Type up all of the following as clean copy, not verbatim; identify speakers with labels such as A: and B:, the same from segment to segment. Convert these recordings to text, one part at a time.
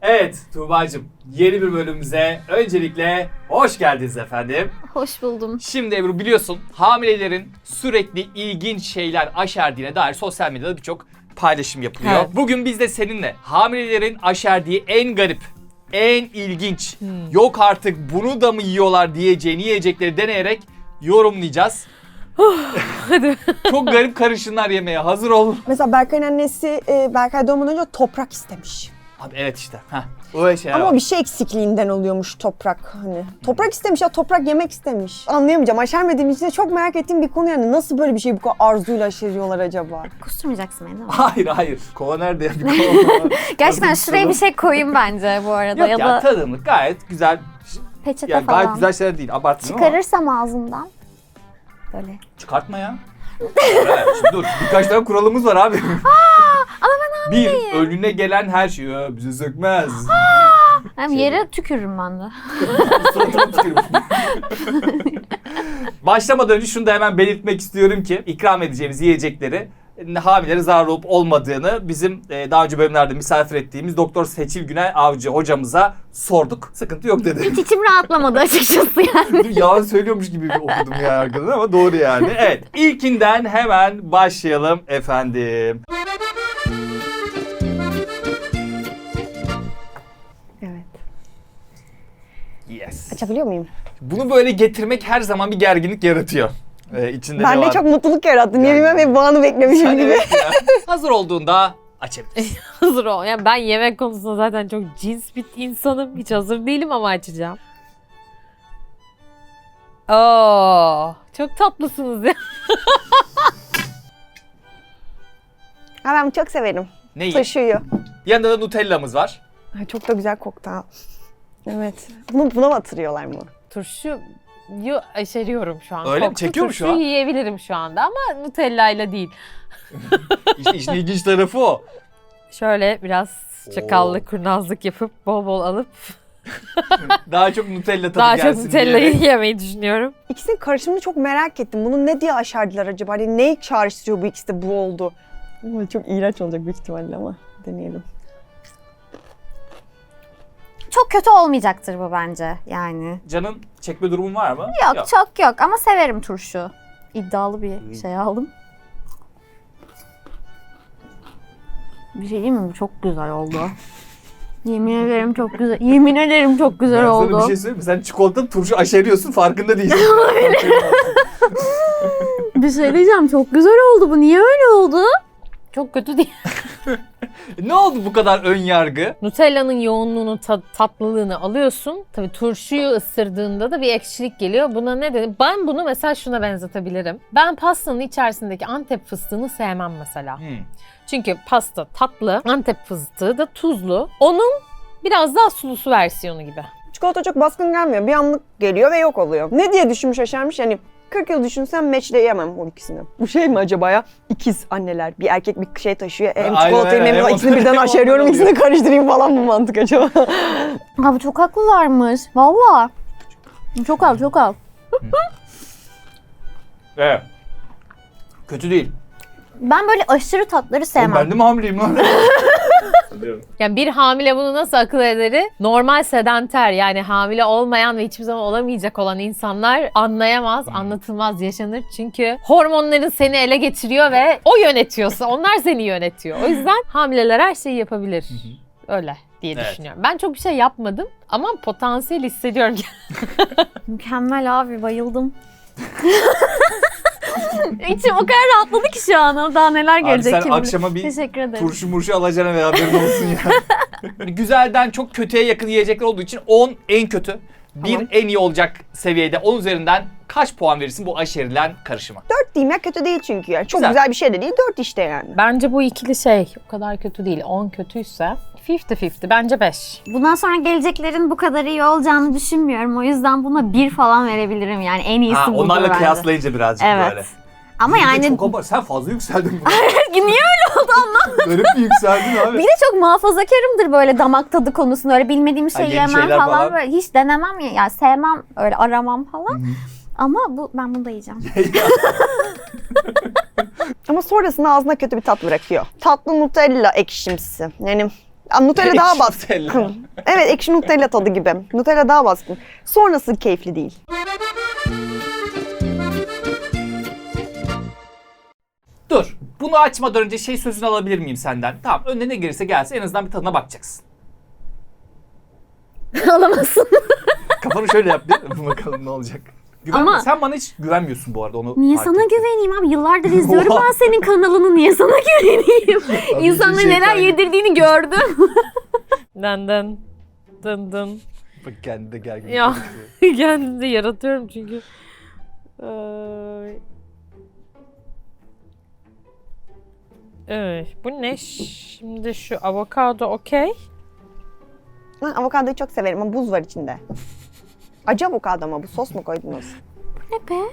A: Evet Tuğba'cığım, yeni bir bölümümüze öncelikle hoş geldiniz efendim.
B: Hoş buldum.
A: Şimdi Ebru biliyorsun hamilelerin sürekli ilginç şeyler aşerdiğine dair sosyal medyada birçok paylaşım yapılıyor.
B: Evet.
A: Bugün biz de seninle hamilelerin aşerdiği en garip, en ilginç, yok artık bunu da mı yiyorlar diyeceğini yiyecekleri deneyerek yorumlayacağız.
B: Hadi.
A: Çok garip karışımlar yemeye hazır ol.
C: Mesela Berkay'ın annesi Berkay doğmadan önce toprak istemiş.
A: Abi evet işte. Öyle şeyler
C: Ama
A: var.
C: bir şey eksikliğinden oluyormuş toprak hani. Toprak istemiş ya, toprak yemek istemiş. Anlayamayacağım. Aşermediğim için de çok merak ettiğim bir konu yani. Nasıl böyle bir şey bu kadar arzuyla aşeriyorlar acaba?
B: Kusturmayacaksın beni değil mi?
A: Hayır. Kova nerede ya? Bir kova.
B: Gerçekten
A: Tadım,
B: şuraya bir şey koyayım bence bu arada.
A: Yok
B: ya
A: ya
B: da
A: tadımlık gayet güzel.
B: peçete
A: Yani
B: falan.
A: gayet güzel şeyler değil. Abartmıyorum ama.
B: Çıkarırsam ağzımdan. Böyle.
A: Çıkartma ya. Evet, şimdi dur. Birkaç tane kuralımız var abi.
B: Ama ben
A: Bir, önüne gelen her şey bize sökmez.
B: hem yere tükürürüm ben de.
A: Suratına tükürmüş. Başlamadan önce şunu da hemen belirtmek istiyorum ki ikram edeceğimiz yiyecekleri hamilelere zarar olup olmadığını bizim daha önce bölümlerde misafir ettiğimiz Doktor Seçil Günay Avcı hocamıza sorduk. Sıkıntı yok dedi.
B: Hiç içim rahatlamadı açıkçası yani.
A: Yalan söylüyormuş gibi okudum ya arkadan ama doğru yani. Evet, ilkinden hemen başlayalım efendim.
C: Evet.
A: Yes.
C: Açabiliyor muyum?
A: Bunu böyle getirmek her zaman bir gerginlik yaratıyor. İçinde
C: Ben
A: ne
C: de
A: var?
C: çok mutluluk yarattın. Niye
A: Yani.
C: bilmem, hep bu anı beklemişim
A: Sen
C: gibi.
A: evet ya. Hazır olduğunda açabilirsin.
D: Hazır ol. Yani ben yemek konusunda zaten çok cins bir insanım. Hiç hazır değilim ama açacağım. Oo, çok tatlısınız ya.
C: Ha, ben çok severim.
A: Neyi?
C: Taşıyor.
A: Yanında da Nutella'mız var.
C: Ay, çok da güzel koktu ha. Evet. Buna mı atırıyorlar mı?
D: Turşuyu aşeriyorum şu an.
A: Öyle mi?
D: Koktu
A: Çekiyor mu şu
D: turşuyu
A: an?
D: yiyebilirim şu anda ama Nutella'yla değil.
A: İşte işin ilginç tarafı o.
D: Şöyle biraz çakallık, kurnazlık yapıp bol bol alıp
A: Daha çok Nutella tadı
D: daha çok
A: gelsin
D: Nutella'yı
A: diyerek.
D: yemeyi düşünüyorum.
C: İkisinin karışımını çok merak ettim. Bunu ne diye aşerdiler acaba? Hani neyi çağrıştırıyor bu ikisi de bu oldu? Ama çok iğrenç olacak büyük ihtimalle ama deneyelim.
B: Çok kötü olmayacaktır bu bence yani.
A: Canın çekme durumun var mı?
B: Yok çok yok ama severim turşu. İddialı bir şey aldım. Bir şey değil mi? Bu çok güzel oldu. Yemin ederim çok güzel. Yemin ederim çok güzel
A: Ben
B: oldu.
A: sana bir şey söyleyeyim mi? Sen çikolatalı turşu aşeriyorsun farkında değilsin.
B: Bir şey diyeceğim, çok güzel oldu bu. Niye öyle oldu?
D: Çok kötü değil.
A: Ne oldu bu kadar ön yargı?
D: Nutella'nın yoğunluğunu, tatlılığını alıyorsun. Tabii turşuyu ısırdığında da bir ekşilik geliyor. Buna ne dedim? Ben bunu mesela şuna benzetebilirim. Ben pastanın içerisindeki Antep fıstığını sevmem mesela. Çünkü pasta tatlı, Antep fıstığı da tuzlu. Onun biraz daha sulusu versiyonu gibi.
C: Çikolata çok baskın gelmiyor. Bir anlık geliyor ve yok oluyor. Ne diye düşünmüş aşermiş? Yani 40 yıl düşünsem matchleyemem o ikisini. Bu şey mi acaba ya? İkiz anneler. Bir erkek bir şey taşıyor. Hem
A: Aynen,
C: çikolatayı
A: aynen.
C: hem
A: Hem
C: ikisini
A: ondan-
C: birden
A: hem
C: aşeriyorum.
A: ondan
C: İkisini karıştırayım falan mı mantık acaba?
B: Abi çok haklılarmış. Valla. Çok al, çok al.
A: Evet. Kötü değil.
B: Ben böyle aşırı tatları
A: Oğlum
B: sevmem.
A: ben de mi hamileyim lan?
D: Yani bir hamile bunu nasıl akıl ederi? Normal sedanter yani hamile olmayan ve hiçbir zaman olamayacak olan insanlar anlayamaz, anlatılmaz, yaşanır. Çünkü hormonların seni ele geçiriyor ve o yönetiyorsa onlar seni yönetiyor. O yüzden hamileler her şeyi yapabilir. Öyle diye
A: Evet.
D: düşünüyorum. Ben çok bir şey yapmadım ama potansiyel hissediyorum.
B: Mükemmel abi, bayıldım. İçim o kadar rahatladı ki şu an. Daha neler
A: Abi
B: gelecek
A: sen
B: kim bilir.
A: akşama bir
B: Teşekkür ederim.
A: turşu murşu alacağına ve haberin olsun ya. Güzelden çok kötüye yakın yiyecekler olduğu için 10 en kötü, 1
C: Tamam.
A: en iyi olacak seviyede. 10 üzerinden kaç puan verirsin bu aşerilen karışıma?
C: 4 diyeyim ya, kötü değil çünkü yani. Çok
A: Güzel.
C: güzel bir şey de değil, 4 işte yani.
D: Bence bu ikili şey o kadar kötü değil. 10 kötüyse 50-50 bence 5.
B: Bundan sonra geleceklerin bu kadar iyi olacağını düşünmüyorum. O yüzden buna 1 falan verebilirim. Yani en iyisi
A: Ha,
B: budur
A: onlarla
B: bence.
A: kıyaslayınca birazcık
B: Evet.
A: böyle.
B: Ama yani
A: Çok abart. Sen fazla yükseldin.
B: niye öyle oldu anlamadım.
A: Garip bir yükseldin abi.
B: Bir de çok muhafazakarımdır böyle damak tadı konusunda. Öyle bilmediğim şey
A: yeni
B: yemem
A: şeyler
B: falan.
A: falan.
B: Böyle hiç denemem ya. Yani sevmem, öyle aramam falan. Ama ben bunu da yiyeceğim.
C: Ama sonrasında ağzına kötü bir tat bırakıyor. Tatlı Nutella ekşimsi. Yani Nutella daha
A: Ekşi
C: baskın.
A: Nutella.
C: Evet, ekşi Nutella tadı gibi. Nutella daha baskın. Sonrası keyifli değil.
A: Dur. Bunu açmadan önce şey sözünü alabilir miyim senden? Tamam, önüne ne gelirse gelsin, en azından bir tadına bakacaksın.
B: Alamazsın.
A: Kafanı şöyle yap bir. Bakalım ne olacak.
B: Ama-
A: Sen bana hiç güvenmiyorsun bu arada, onu
B: Niye
A: fark
B: sana
A: ettim.
B: güveneyim abi? Yıllardır izliyorum
A: Oha.
B: ben senin kanalını. Niye sana güveneyim? İnsanlara
A: şey
B: neler
A: fark-
B: yedirdiğini gördüm.
D: Dın dın. Dın dın.
A: Bak kendi de gergin.
D: Ya.
A: gözüküyor.
D: Kendimi de yaratıyorum çünkü. Ay. Evet, bu ne? Şimdi şu avokado okey.
C: Ben avokadoyu çok severim ama buz var içinde. Acı avokado ama bu, sos mu koydunuz?
B: Ne be?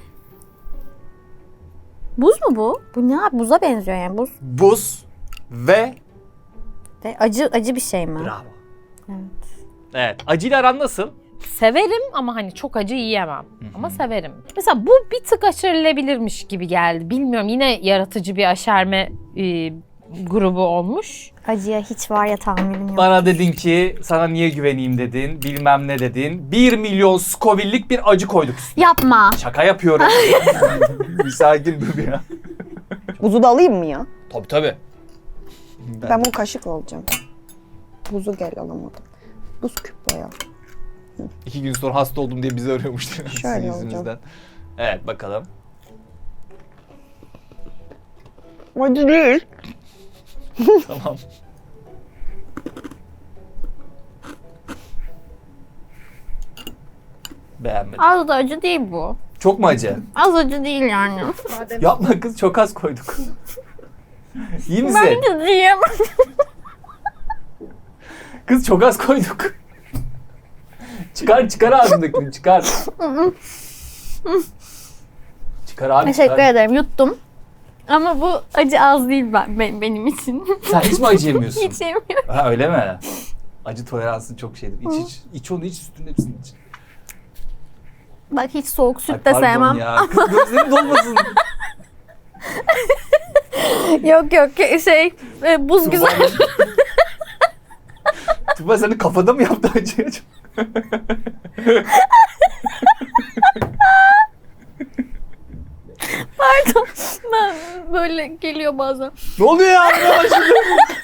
B: Buz mu bu? Bu ne abi? Buza benziyor yani. Buz.
A: Buz ve
B: De acı bir şey mi?
A: bravo.
B: Evet.
A: Evet. Acıyla aran nasıl?
D: Severim ama hani çok acı yiyemem. Ama severim. Mesela bu bir tık aşerilebilirmiş gibi geldi. Bilmiyorum, yine yaratıcı bir aşerme grubu olmuş.
B: Acıya hiç var ya tahammülüm yok.
A: Bana dedin ki sana niye güveneyim dedin, bilmem ne dedin. 1 milyon Scoville'lik bir acı koyduk üstüne.
B: Yapma.
A: Şaka yapıyorum. Bir sakin dur ya.
C: Buzu da alayım mı ya?
A: Tabii tabii.
C: Ben bunu kaşıkla alacağım. Buzu gel alamadım. Buz küp bayağı.
A: 2 gün sonra hasta oldum diye bizi arıyormuştu. Sizin
C: Şöyle
A: yüzünüzden.
C: olacağım.
A: Evet, bakalım.
C: Acı değil.
A: Tamam. Beğenmedim.
B: Az da acı değil bu.
A: Çok mu acı?
B: Az acı değil yani.
A: Yapma kız, çok az koyduk. İyi misin?
B: Ben de diyeyim.
A: Kız çok az koyduk. Çıkar ağzındakini, çıkar. Çıkar abi,
B: Teşekkür
A: çıkar.
B: ederim. Yuttum. Ama bu acı az değil benim için.
A: Sen hiç mi acı yemiyorsun?
B: Hiç yemiyorum.
A: Ha, öyle mi? Acı toleransın çok şeydir. İç onu, iç sütün hepsini iç.
B: Bak hiç soğuk
A: Ay,
B: süt de
A: pardon
B: sevmem.
A: ya. Kız gözlerin dolmasın.
B: Yok buz güzel.
A: Tuba senin kafada mı yaptı acıyı?
B: Pardon. Ben böyle geliyor bazen.
A: Ne oluyor ya? Ne başladı?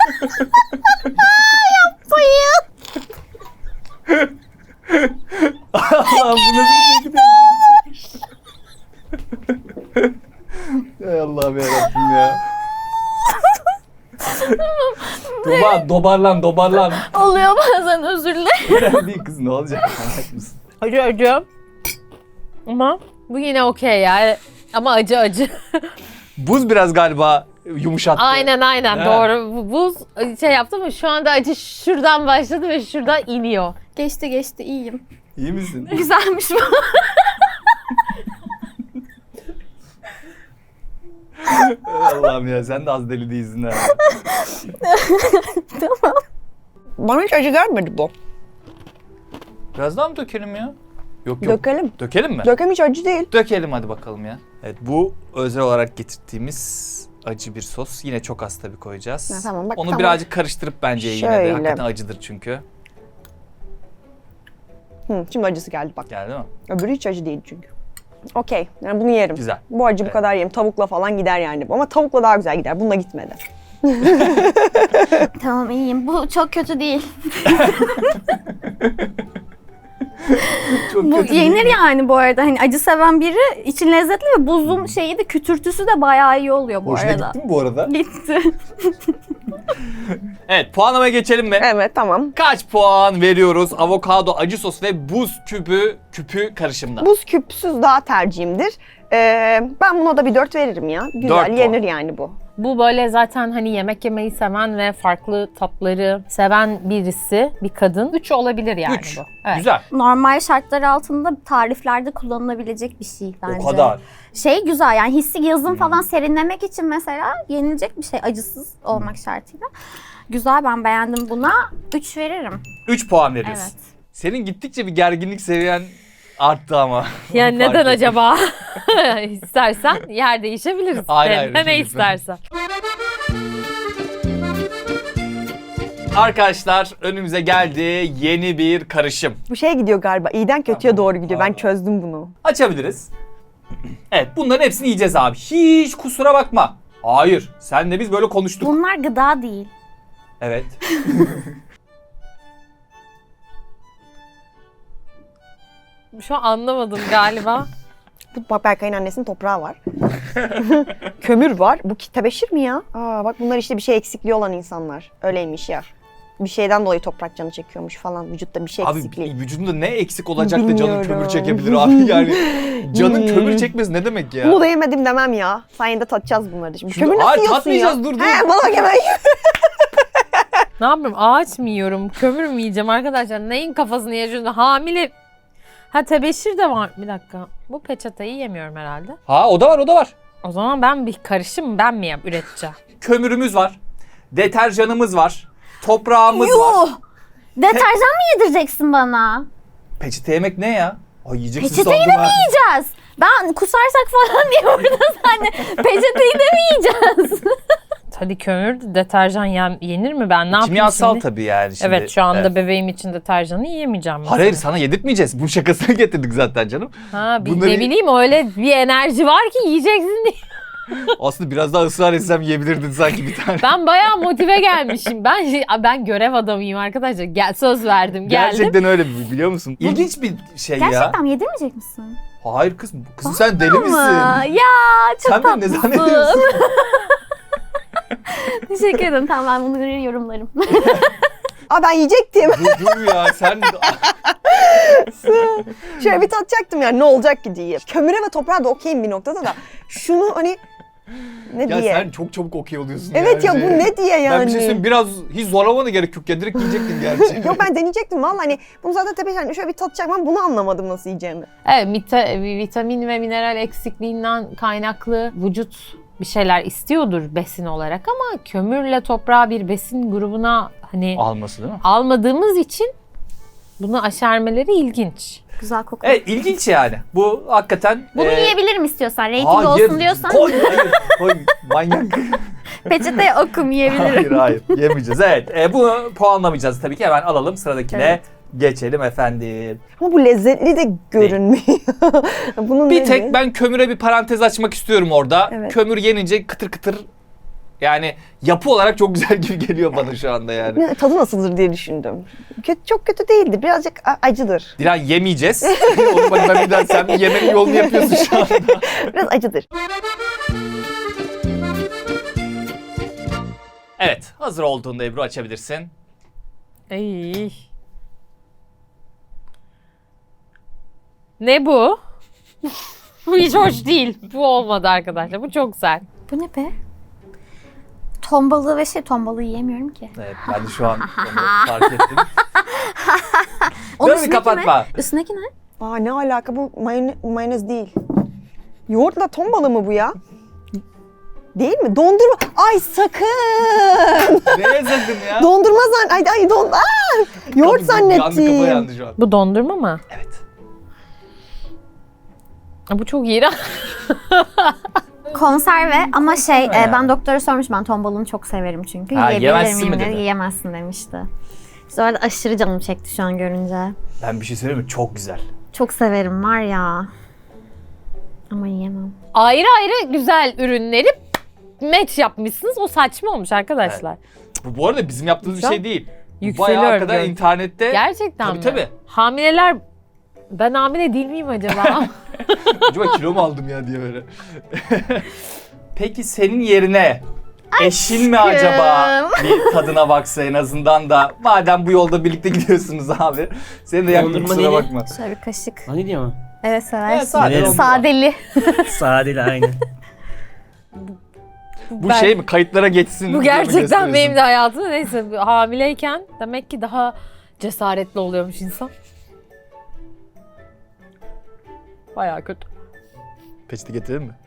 B: Bayıl.
A: Allah'ım, bu nasıl bir şekilde? Ey Allah'ım yarabbim ya. Tuba dobarlan.
B: Oluyor bazen, özür dilerim.
A: Bir kız ne olacak? Manyak mısın?
D: Acı. Ama bu yine okey ya. Ama acı.
A: Buz biraz galiba yumuşattı.
D: Aynen
A: Evet.
D: doğru. Bu buz şey yaptı ama şu anda acı şuradan başladı ve şuradan iniyor.
B: Geçti iyiyim.
A: İyi misin?
B: Güzelmiş bu.
A: Ey Allah'ım ya, sen de az deli değilsin ha.
B: Tamam.
C: Bana hiç acı gelmedi bu.
A: Biraz daha mı dökelim ya? Yok.
C: Dökelim.
A: Dökelim mi?
C: Dökem hiç acı değil.
A: Dökelim hadi bakalım ya. Evet, bu özel olarak getirdiğimiz acı bir sos. Yine çok az tabii koyacağız.
C: Ha, tamam, bak,
A: Onu
C: tamam.
A: birazcık karıştırıp bence yine de.
C: Şöyle.
A: Hakikaten acıdır çünkü.
C: Şimdi acısı geldi bak.
A: Geldi mi?
C: Öbürü hiç acı değil çünkü. Okey. Yani bunu yerim.
A: Güzel.
C: Bu acı bu
A: Evet.
C: kadar yerim. Tavukla falan gider yani. Ama tavukla daha güzel gider. Bununla gitmedi.
B: Tamam iyiyim. Bu çok kötü değil.
A: Çok
B: Bu
A: kötü
B: yenir
A: değil mi?
B: yani bu arada. Hani acı seven biri için lezzetli ve buzun şeyi de kütürtüsü de bayağı iyi oluyor bu
A: Hoşuna
B: arada.
A: gitti mi bu arada?
B: Gitti.
A: Evet, puanlamaya geçelim mi?
C: Evet, tamam.
A: Kaç puan veriyoruz avokado, acı sos ve buz küpü karışımına?
C: Buz küpsüz daha tercihimdir. Ben buna da bir 4 veririm ya.
A: 4
C: Güzel
A: puan.
C: yenir yani bu.
D: Bu böyle zaten hani yemek yemeyi seven ve farklı tatları seven birisi, bir kadın. 3 olabilir yani
A: 3.
D: bu. Evet.
A: Güzel.
B: Normal şartlar altında tariflerde kullanılabilecek bir şey bence.
A: O kadar.
B: Şey güzel yani hissi yazın falan serinlemek için mesela yenilecek bir şey acısız olmak şartıyla. Güzel, ben beğendim buna. 3 veririm.
A: 3 puan veriyorsun.
B: Evet.
A: Senin gittikçe bir gerginlik seviyen arttı ama.
D: Yani
A: Fark
D: neden
A: ettim.
D: acaba? İstersen yer değişebiliriz.
A: Hayır,
D: Senin de
A: hayır,
D: ne
A: lütfen.
D: istersen.
A: Arkadaşlar önümüze geldi yeni bir karışım.
C: Bu şeye gidiyor galiba. İyiden kötüye doğru gidiyor. Ben çözdüm bunu.
A: Açabiliriz. Evet bunların hepsini yiyeceğiz abi. Hiç kusura bakma. Hayır. Senle biz böyle konuştuk.
B: Bunlar gıda değil.
A: Evet.
D: Şu an anlamadım galiba.
C: Bak Berkay'ın annesinin toprağı var. Kömür var. Bu tebeşir mi ya? Aa bak bunlar işte bir şey eksikliği olan insanlar. Öyleymiş ya. Bir şeyden dolayı toprak canı çekiyormuş falan. Vücutta bir şey
A: Abi
C: eksikliği.
A: vücudunda ne eksik olacak da canın
C: Bilmiyorum.
A: kömür çekebilir abi yani. Canın kömür çekmesi ne demek ya?
C: Bunu da yemedim demem ya. Sayende tatacağız bunları da şimdi.
A: Şunu-
C: Kömür nasıl
A: Hayır,
C: yiyorsun
A: tatmayacağız,
C: ya?
A: dur.
C: He bana hemen
D: Ne yapayım? Ağaç mı yiyorum? Kömür mü yiyeceğim arkadaşlar? Neyin kafasını yaşıyorsun? Hamile... Ha tebeşir de var. Bir dakika. Bu peçeteyi yemiyorum herhalde.
A: Ha o da var o da var.
D: O zaman ben bir karışım ben mi üreteceğim?
A: Kömürümüz var. Deterjanımız var. Toprağımız var.
B: Yuh! Deterjan mı yedireceksin bana?
A: Peçete yemek ne ya? Ay yiyeceksin
B: Peçeteyi
A: sandım
B: de mi
A: ha.
B: yiyeceğiz? Ben kusarsak falan diye burada sen peçeteyi de mi yiyeceğiz?
D: Hadi kömür deterjan yenir mi ben? Ne yapayım
A: Kimyasal
D: şimdi?
A: tabii yani şimdi.
D: Evet şu anda
A: Evet.
D: bebeğim için deterjanı yiyemeyeceğim. mesela.
A: Hayır sana yedirtmeyeceğiz. Bu şakasını getirdik zaten canım.
D: Ha,
A: Bunları-
D: ne bileyim öyle bir enerji var ki yiyeceksin diye.
A: Aslında biraz daha ısrar etsem yiyebilirdin sanki bir tane.
D: Ben bayağı motive gelmişim. Ben görev adamıyım arkadaşlar. Söz verdim geldim.
A: Gerçekten öyle biliyor musun? İlginç bir şey ya.
B: Gerçekten yedirmeyecek misin?
A: Hayır kızım. Kızım sen deli
B: Ama
A: misin?
B: ya çok
A: Sen beni ne
B: tatlısın.
A: zannediyorsun?
B: Teşekkür ederim. Tamam ben bunu yorumlarım.
C: Aa ben yiyecektim.
A: dur ya sen...
C: Şöyle bir tatacaktım yani ne olacak ki diye. Kömüre ve toprağa da okeyim bir noktada da. Şunu hani ne
A: ya
C: diye.
A: sen çok çabuk okey oluyorsun.
C: Evet ya
A: yani.
C: bu ne diye yani.
A: Ben bir şey söyleyeyim biraz hiç zorlamana gerek yok ya direkt yiyecektin gerçi.
C: Yok ben deneyecektim valla hani bunu zaten tepe yani şöyle bir tatacaktım ama bunu anlamadım nasıl yiyeceğimi.
D: Evet vitamin ve mineral eksikliğinden kaynaklı vücut bir şeyler istiyordur besin olarak ama kömürle toprağı bir besin grubuna hani
A: Alması değil mi?
D: almadığımız için bunu aşermeleri ilginç.
B: Güzel kokuyor.
A: Evet ilginç yani. Bu hakikaten...
B: Bunu
A: e,
B: yiyebilirim istiyorsan. Rating
A: hayır,
B: olsun diyorsan
A: Koy, hayır, koy. Manyak.
B: peçeteye okum yiyebilirim.
A: hayır yemeyeceğiz. Evet bunu puanlamayacağız tabii ki. Hemen alalım sıradakine.
B: Evet.
A: Geçelim efendim.
C: Ama bu lezzetli de görünmüyor. Bunun
A: Bir
C: neydi?
A: tek ben kömüre bir parantez açmak istiyorum orada.
C: Evet.
A: Kömür yenince kıtır kıtır yani yapı olarak çok güzel gibi geliyor bana şu anda yani.
C: Ne, tadı nasıldır diye düşündüm. Kötü, çok kötü değildi. Birazcık acıdır.
A: Dilan yemeyeceğiz. Onu bak ben bir daha sen bir yemenin yolunu yapıyorsun şu anda.
C: Biraz acıdır.
A: Evet hazır olduğunda Ebru açabilirsin.
D: Ay. Ne bu? Bu hiç hoş değil. Bu olmadı arkadaşlar. Bu çok güzel.
B: Bu ne be? Ton balığı ve ton balığı yiyemiyorum ki.
A: Evet ben de şu an onu fark ettim.
B: Onun
A: Dur bir
B: üstündeki
A: kapatma.
B: ne? Üstündeki ne?
C: Aa ne alaka bu mayonez değil. Yoğurtla ton balığı mı bu ya? Değil mi? Dondurma. Ay sakın.
A: Neye sakın ya?
C: Dondurma ay don. Aa! Yoğurt
A: Yandı kafa
C: zannettim.
A: yandı şu an.
D: Bu dondurma mı?
A: Evet.
D: Bu çok iğrenç.
B: Konserve ama
A: Ya.
B: ben doktora sormuş ben ton balığını çok severim çünkü.
A: Ha,
B: Yiyebilir
A: yemezsin
B: miyim
A: mi
B: dedi.
A: dedi?
B: Yiyemezsin demişti. İşte orada aşırı canım çekti şu an görünce.
A: Ben bir şey söyleyeyim mi? Çok güzel.
B: Çok severim var ya. Ama yiyemem.
D: Ayrı ayrı güzel ürünleri match yapmışsınız. O saçma olmuş arkadaşlar.
A: Bu arada bizim yaptığımız bir
D: Güzel.
A: şey değil. Bu
D: Yükseliyor
A: bayağı kadar
D: gördüm.
A: internette.
D: Gerçekten
A: Tabii
D: mi?
A: tabii.
D: Hamileler ben hamile değil miyim acaba?
A: Acaba kilo mu aldım ya diye böyle. Peki senin yerine eşin mi acaba bir tadına baksa en azından da madem bu yolda birlikte gidiyorsunuz abi. Seni de yaktım
E: Dondurma
A: kusura
E: neydi?
A: bakma.
B: Şöyle bir kaşık.
E: Hani diyor mu?
B: Evet seversin.
A: Evet, sade
E: Severim.
A: dondurma.
B: Sadeli.
E: Sadeli aynı.
A: Bu
D: Ben-
A: şey mi kayıtlara geçsin
D: Bu
A: diye mi
D: gerçekten
A: gösteriyorsun?
D: benim de hayatımda neyse hamileyken demek ki daha cesaretli oluyormuş insan. Bayağı kötü.
A: Peçete getirelim mi?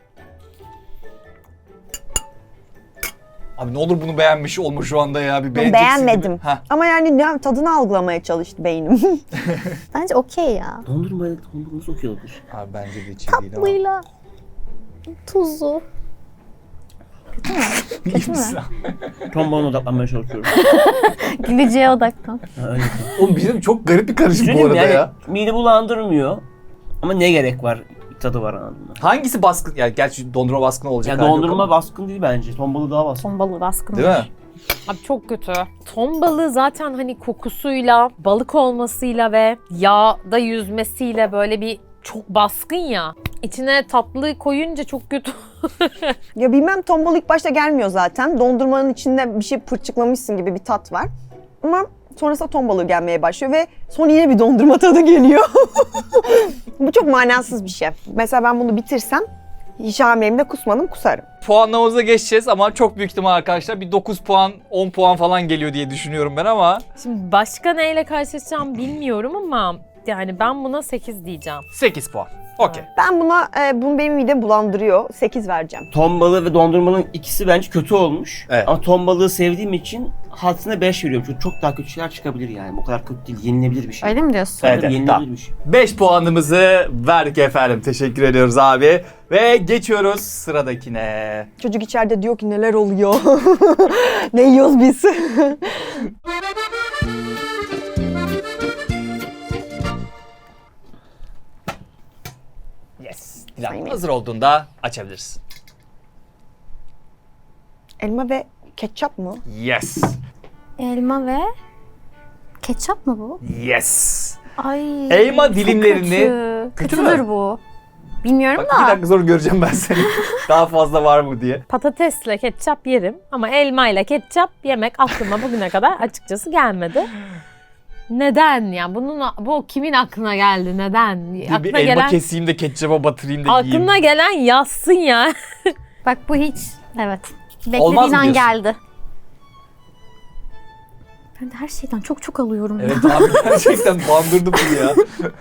A: Abi ne olur bunu beğenmiş olma şu anda ya. Bir
C: Ben
A: beğeneceksin
C: beğenmedim.
A: gibi. Heh.
C: Ama yani tadını algılamaya çalıştı beynim.
B: Bence okey ya.
E: Dondurma nasıl okuyordur?
A: Abi bence de hiç iyi değil ama.
B: Tatlıyla tuzu. Kötü mü?
E: Ton balığına odaklanmaya çalışıyorum.
B: Güleceğe odaklan.
E: Ha, öyle.
A: Oğlum bizim çok garip bir karışım bu
E: Söyleyeyim
A: arada
E: yani,
A: ya.
E: mide bulandırmıyor. Ama ne gerek var? Tadı var anladın mı?
A: Hangisi baskın? Yani gerçi dondurma baskın olacak.
E: Ya
A: hali yok
E: dondurma
A: ama.
E: baskın değil bence. Ton balığı daha baskın.
B: Ton balığı baskın.
A: Değil mi?
D: Abi çok kötü. Ton balığı zaten hani kokusuyla, balık olmasıyla ve yağda yüzmesiyle böyle bir çok baskın ya. İçine tatlı koyunca çok kötü.
C: Ya bilmem, ton balığı ilk başta gelmiyor zaten. Dondurmanın içinde bir şey pırçıklamışsın gibi bir tat var. Ama sonrasında ton balığı gelmeye başlıyor ve sonra yine bir dondurma tadı geliyor. Bu çok manasız bir şey. Mesela ben bunu bitirsem hiç hamileliğimde kusmadım, kusarım.
A: Puanlamamıza geçeceğiz ama çok büyük ihtimal arkadaşlar bir 9 puan 10 puan falan geliyor diye düşünüyorum ben ama.
D: Şimdi başka neyle karşılaşacağım bilmiyorum ama yani ben buna 8 diyeceğim.
A: 8 puan. Okey.
C: Ben buna, bunu benim midem bulandırıyor. 8 vereceğim.
E: Ton balığı ve dondurmanın ikisi bence kötü olmuş.
A: Evet.
E: Ama ton balığı sevdiğim için hadisine 5 veriyorum. Çünkü çok daha kötü şeyler çıkabilir yani. Bu kadar kötü değil. Yenilebilir bir şey.
B: Öyle mi diyorsun?
A: Evet,
E: Tabii,
A: evet,
E: yenilebilir
A: tamam.
E: bir şey.
A: 5 puanımızı verdik efendim. Teşekkür ediyoruz abi. Ve geçiyoruz sıradakine.
C: Çocuk içeride diyor ki neler oluyor? Ne yiyoruz biz?
A: Yes. Dilan
C: Sayın
A: hazır olduğunda açabilirsin.
C: Elma ve ketçap mı?
A: Yes.
B: Elma ve ketçap mı bu?
A: Yes.
B: Ay.
A: Elma
B: çok
A: dilimlerini-
B: Kötü.
A: Kötü
B: Kötüdür
A: mü?
B: bu. Bilmiyorum
A: Bak bir
B: da.
A: dakika sonra göreceğim ben seni. Daha fazla var mı diye.
D: Patatesle ketçap yerim ama elmayla ketçap yemek aklıma bugüne kadar açıkçası gelmedi. Neden ya? Bu kimin aklına geldi? Neden?
A: Bir
D: Aklına
A: elma
D: gelen
A: keseyim de ketçaba batırayım da yiyeyim.
D: aklına gelen yazsın ya.
B: Bak bu hiç. Evet.
A: Olmaz
B: Beklediğin
A: mı
B: an
A: diyorsun?
B: geldi. Ben de her şeyden çok alıyorum ya.
A: Evet abi gerçekten bandırdı bunu ya.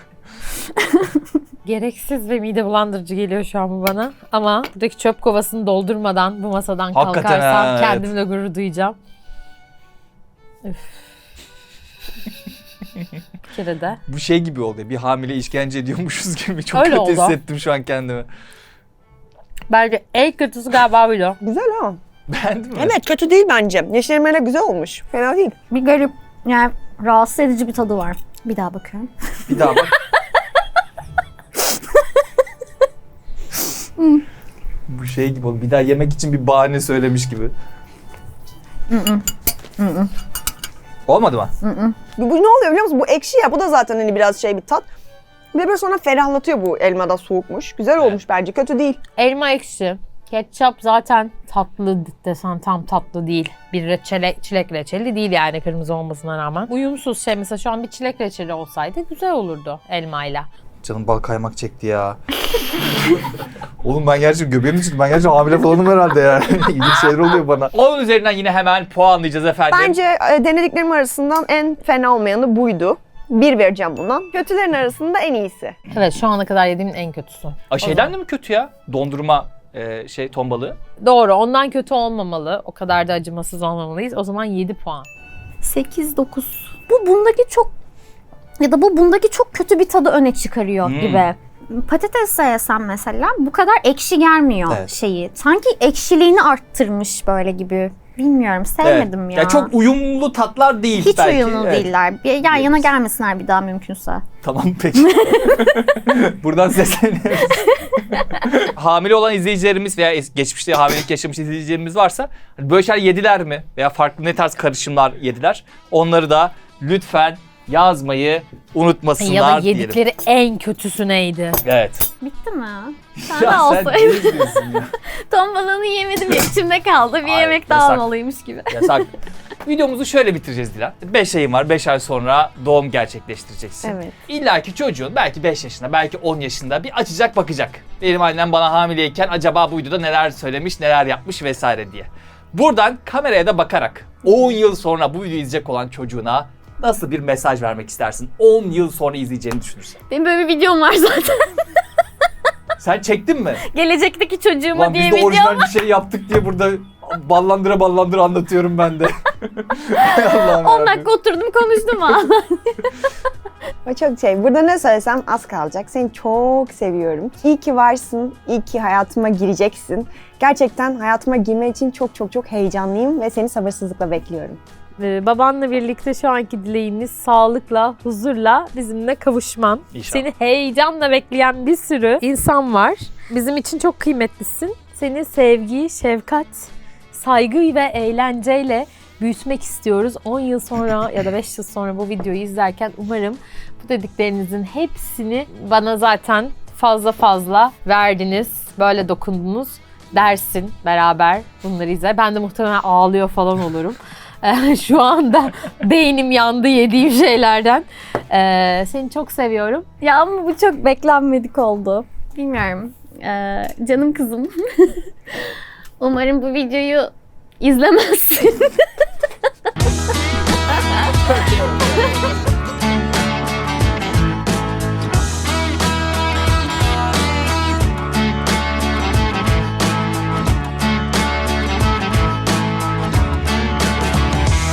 D: Gereksiz ve mide bulandırıcı geliyor şu an bu bana. Ama buradaki çöp kovasını doldurmadan bu masadan
A: Hakikaten
D: kalkarsam
A: ha, evet.
D: kendimle gurur duyacağım. Üf. Bir kere de.
A: Bu şey gibi oldu. Bir hamile işkence ediyormuşuz gibi. Çok
D: Öyle
A: kötü
D: oldu.
A: hissettim şu an kendimi.
D: Bence en kötüsü galiba buydu.
C: Güzel ha.
A: Beğendin mi?
C: Evet, kötü değil bence. Yeşilmeyle güzel olmuş. Fena değil.
B: Bir garip, yani rahatsız edici bir tadı var. Bir daha bakıyorum.
A: Bir daha bak. Bu şey gibi oldu. Bir daha yemek için bir bahane söylemiş gibi. Olmadı mı?
C: Bu ne oluyor biliyor musun? Bu ekşi ya. Bu da zaten hani biraz şey bir tat. Bir de böyle sonra ferahlatıyor, bu elmada soğukmuş. Güzel olmuş bence. Kötü değil.
D: Elma ekşi. Ketçap zaten tatlı desen tam tatlı değil. Bir çilek reçeli değil yani kırmızı olmasına rağmen. Uyumsuz şey, mesela şu an bir çilek reçeli olsaydı güzel olurdu elmayla.
A: Canım bal kaymak çekti ya. Oğlum ben gerçekten göbeğim düştü. Ben gerçekten hamile falanım herhalde yani. İlginç şeyler oluyor bana. Onun üzerinden yine hemen puanlayacağız efendim.
C: Bence denediklerim arasından en fena olmayanı buydu. 1 vereceğim buna. Kötülerin arasında en iyisi.
D: Evet, şu ana kadar yediğimin en kötüsü.
A: Şeyden de mi kötü ya? Dondurma ton balığı.
D: Doğru, ondan kötü olmamalı. O kadar da acımasız olmamalıyız. O zaman 7 puan.
B: 8-9. Bu bundaki çok kötü bir tadı öne çıkarıyor gibi. Patates yesem mesela bu kadar ekşi gelmiyor
A: Evet.
B: şeyi. Sanki ekşiliğini arttırmış böyle gibi. Bilmiyorum, sevmedim ya.
A: Çok uyumlu tatlar değil
B: Hiç
A: belki.
B: uyumlu
A: Evet.
B: değiller. Bir yan yana gelmesinler bir daha mümkünse.
A: Tamam peki. Buradan sesleniyoruz. Hamile olan izleyicilerimiz veya geçmişte hamilelik yaşamış izleyicilerimiz varsa hani böyle şeyler yediler mi? Veya farklı ne tarz karışımlar yediler? Onları da lütfen yazmayı unutmasınlar
D: Ya da
A: diyelim.
D: yedikleri en kötüsü neydi?
A: Evet.
B: Bitti mi? Sen
A: Ya
B: de
A: sen
B: olsaydın.
A: ne diyorsun ya?
B: Ton balığını yemedim ya, içimde kaldı. Bir
A: Hayır,
B: yemek daha
A: yasak.
B: almalıymış gibi.
A: Yasak. Videomuzu şöyle bitireceğiz Dilan. 5 ayın var. 5 ay sonra doğum gerçekleştireceksin.
C: Evet.
A: İlla ki çocuğun belki 5 yaşında, belki 10 yaşında bir açacak bakacak. Benim annem bana hamileyken acaba bu videoda neler söylemiş, neler yapmış vesaire diye. Buradan kameraya da bakarak 10 yıl sonra bu videoyu izleyecek olan çocuğuna nasıl bir mesaj vermek istersin? 10 yıl sonra izleyeceğini düşünürsen.
B: Benim böyle bir videom var zaten.
A: Sen çektin mi?
B: Gelecekteki çocuğuma
A: Lan
B: diye
A: biz de
B: video.
A: orijinal bir şey yaptık diye burada ballandıra anlatıyorum ben de. Allah'ım
B: 10
A: yarabbim.
B: dakika oturdum konuştum ha.
C: O çok şey. Burada ne söylesem az kalacak. Seni çok seviyorum. İyi ki varsın. İyi ki hayatıma gireceksin. Gerçekten hayatıma girme için çok çok çok heyecanlıyım ve seni sabırsızlıkla bekliyorum.
D: Babanla birlikte şu anki dileğimiz sağlıkla, huzurla bizimle kavuşman.
A: İnşallah.
D: Seni heyecanla bekleyen bir sürü insan var. Bizim için çok kıymetlisin. Seni sevgi, şefkat, saygı ve eğlenceyle büyütmek istiyoruz. 10 yıl sonra ya da 5 yıl sonra bu videoyu izlerken umarım bu dediklerinizin hepsini bana zaten fazla verdiniz. Böyle dokundunuz dersin beraber bunları izler. Ben de muhtemelen ağlıyor falan olurum. Şu anda beynim yandı yediğim şeylerden. Seni çok seviyorum.
B: Ya ama bu çok beklenmedik oldu. Bilmiyorum. Canım kızım. Umarım bu videoyu izlemezsin.